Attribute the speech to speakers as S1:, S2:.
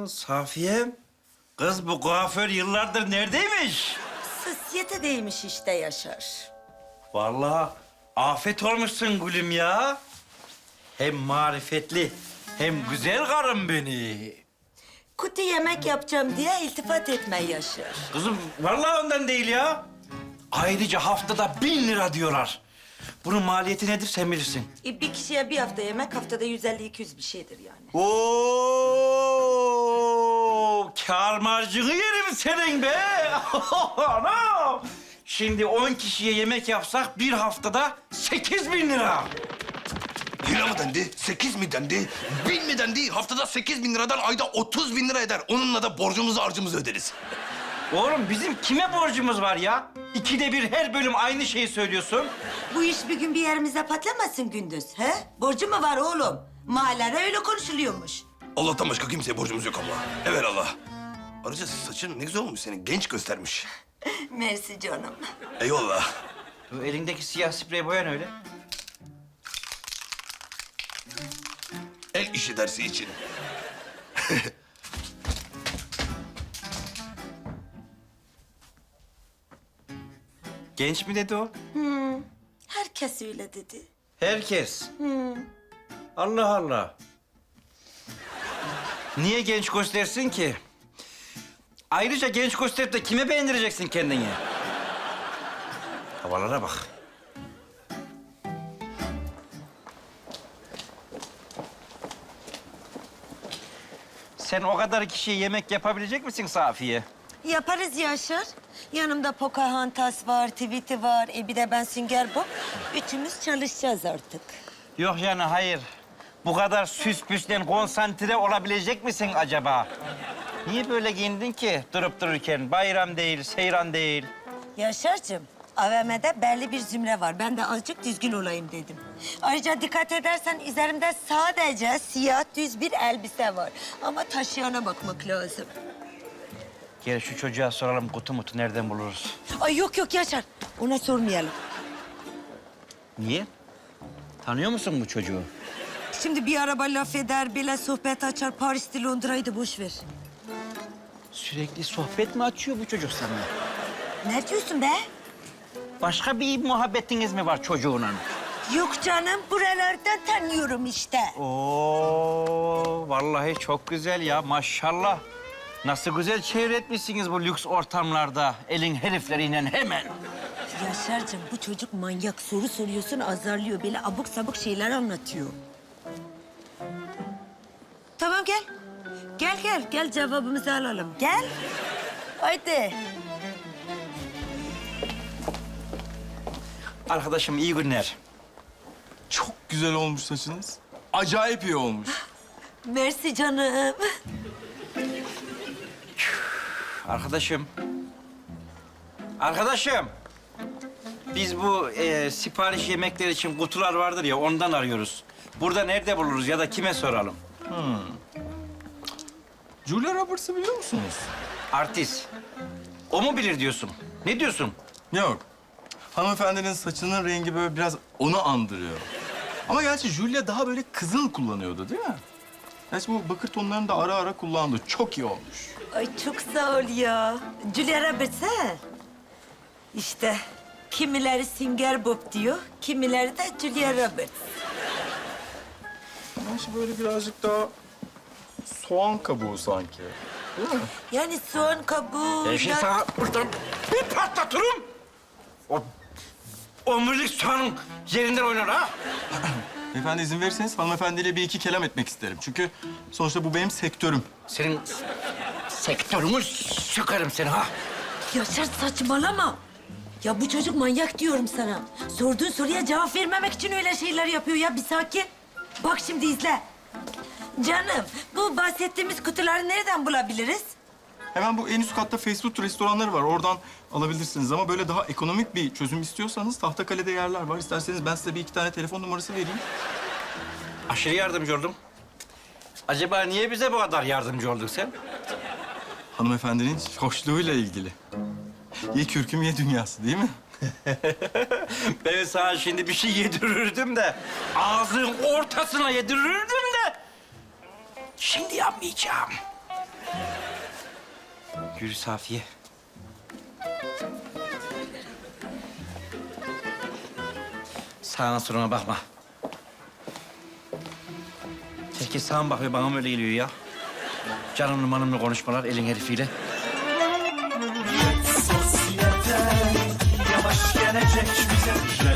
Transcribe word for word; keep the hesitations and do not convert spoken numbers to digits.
S1: Safiye, kız bu kuaför yıllardır neredeymiş?
S2: Sosyetedeymiş işte Yaşar.
S1: Vallahi afet olmuşsun gülüm ya. Hem marifetli hem güzel karım beni.
S2: Kutu yemek yapacağım diye iltifat etme Yaşar.
S1: Kızım vallahi ondan değil ya. Ayrıca haftada bin lira diyorlar. Bunun maliyeti nedir sen bilirsin.
S2: E, bir kişiye bir hafta yemek haftada yüz elli iki yüz bir şeydir yani.
S1: Oo, kâr marjını yerim senin be. Anam. Şimdi on kişiye yemek yapsak bir haftada sekiz bin lira.
S3: Lira mı dendi? Sekiz mi dendi? Bin mi dendi? Haftada sekiz bin liradan ayda otuz bin lira eder. Onunla da borcumuzu harcımızı öderiz.
S1: Oğlum bizim kime borcumuz var ya? İkide bir her bölüm aynı şeyi söylüyorsun.
S2: Bu iş bir gün bir yerimize patlamasın Gündüz, he? Borcu mu var oğlum? Mahallede öyle konuşuluyormuş.
S3: Allah'tan başka kimseye borcumuz yok abla. Evelallah. Ayrıca saçın ne güzel olmuş senin. Genç göstermiş.
S2: Mersi canım.
S3: Eyvallah.
S1: Bu elindeki siyah sprey boyan öyle.
S3: El işi dersi için.
S1: Genç mi dedi o?
S2: Herkes öyle dedi.
S1: Herkes. Allah Allah. Niye genç göstersin ki? Ayrıca genç gösterip de kime beğendireceksin kendini? Havalara bak. Sen o kadar kişiye yemek yapabilecek misin Safiye?
S2: Yaparız Yaşar. Yanımda Pocahontas var, Tweety var, e bir de ben Sünger Bob. Üçümüz çalışacağız artık.
S1: Yok yani hayır. Bu kadar süs püslen konsantre olabilecek misin acaba? Niye böyle giyindin ki durup dururken? Bayram değil, seyran değil.
S2: Yaşar'cığım, A V M'de belli bir zümre var. Ben de azıcık düzgün olayım dedim. Ayrıca dikkat edersen üzerimde sadece siyah düz bir elbise var. Ama taşıyana bakmak lazım.
S1: Gel şu çocuğa soralım kutu mutu nereden buluruz?
S2: Ay yok yok Yaşar, ona sormayalım.
S1: Niye? Tanıyor musun bu çocuğu?
S2: Şimdi bir araba laf eder, bile sohbet açar. Paris'te Londra'yı da boş ver.
S1: Sürekli sohbet mi açıyor bu çocuk sana?
S2: Ne diyorsun be?
S1: Başka bir muhabbetiniz mi var çocuğunla?
S2: Yok canım, buralardan tanıyorum işte.
S1: Oo, vallahi çok güzel ya maşallah. Nasıl güzel çevretmişsiniz bu lüks ortamlarda elin herifleriyle hemen.
S2: Yaşar'cığım bu çocuk manyak. Soru soruyorsun azarlıyor. Böyle abuk sabuk şeyler anlatıyor. Tamam gel. Gel gel. Gel cevabımızı alalım. Gel. Haydi.
S1: Arkadaşım iyi günler.
S4: Çok güzel olmuş saçınız. Acayip iyi olmuş.
S2: Mersi canım.
S1: Arkadaşım. Arkadaşım. Biz bu e, sipariş yemekler için kutular vardır ya ondan arıyoruz. Burada nerede buluruz ya da kime soralım?
S4: Julia Roberts'ı biliyor musunuz?
S1: Artist. O mu bilir diyorsun? Ne diyorsun?
S4: Yok. Hanımefendinin saçının rengi böyle biraz onu andırıyor. Ama gerçi Julia daha böyle kızıl kullanıyordu değil mi? Gerçi bu bakır tonlarını da ara ara kullandı. Çok iyi olmuş.
S2: Ay çok sağ ol ya. Julia Roberts ha? İşte kimileri Sünger Bob diyor, kimileri de Julia Roberts.
S4: Gerçi böyle birazcık daha soğan kabuğu sanki. Değil mi?
S2: Yani soğan kabuğu...
S1: Ben şimdi
S2: ya-
S1: sana buradan bir patlatırım. O omurilik soğanın yerinden oynar ha.
S4: Beyefendi izin verirseniz hanımefendiyle bir iki kelam etmek isterim. Çünkü sonuçta bu benim sektörüm.
S1: Senin sektörünü sıkarım seni ha.
S2: Yaşar saçmalama. Ya bu çocuk manyak diyorum sana. Sorduğun soruya cevap vermemek için öyle şeyler yapıyor ya. Bir sakin. Bak şimdi izle. Canım, bu bahsettiğimiz kutuları nereden bulabiliriz?
S4: Hemen bu en üst katta fast food restoranları var. Oradan alabilirsiniz ama böyle daha ekonomik bir çözüm istiyorsanız Tahtakale'de yerler var. İsterseniz ben size bir iki tane telefon numarası vereyim.
S1: Aşırı yardımcı oldum. Acaba niye bize bu kadar yardımcı oldun sen?
S4: Hanımefendinin hoşluğuyla ilgili. Ye kürküm ye dünyası değil mi?
S1: Ben sana şimdi bir şey yedirirdim de... ...ağzının ortasına yedirirdim de... ...şimdi yapmayacağım. Yürü Safiye. Sağına soluna bakma. Herkes sağa mı bakıyor? Bana mı öyle geliyor ya? Canımlı manımlı konuşmalar elin herifiyle.
S5: Sosyete yavaş gelecek bize.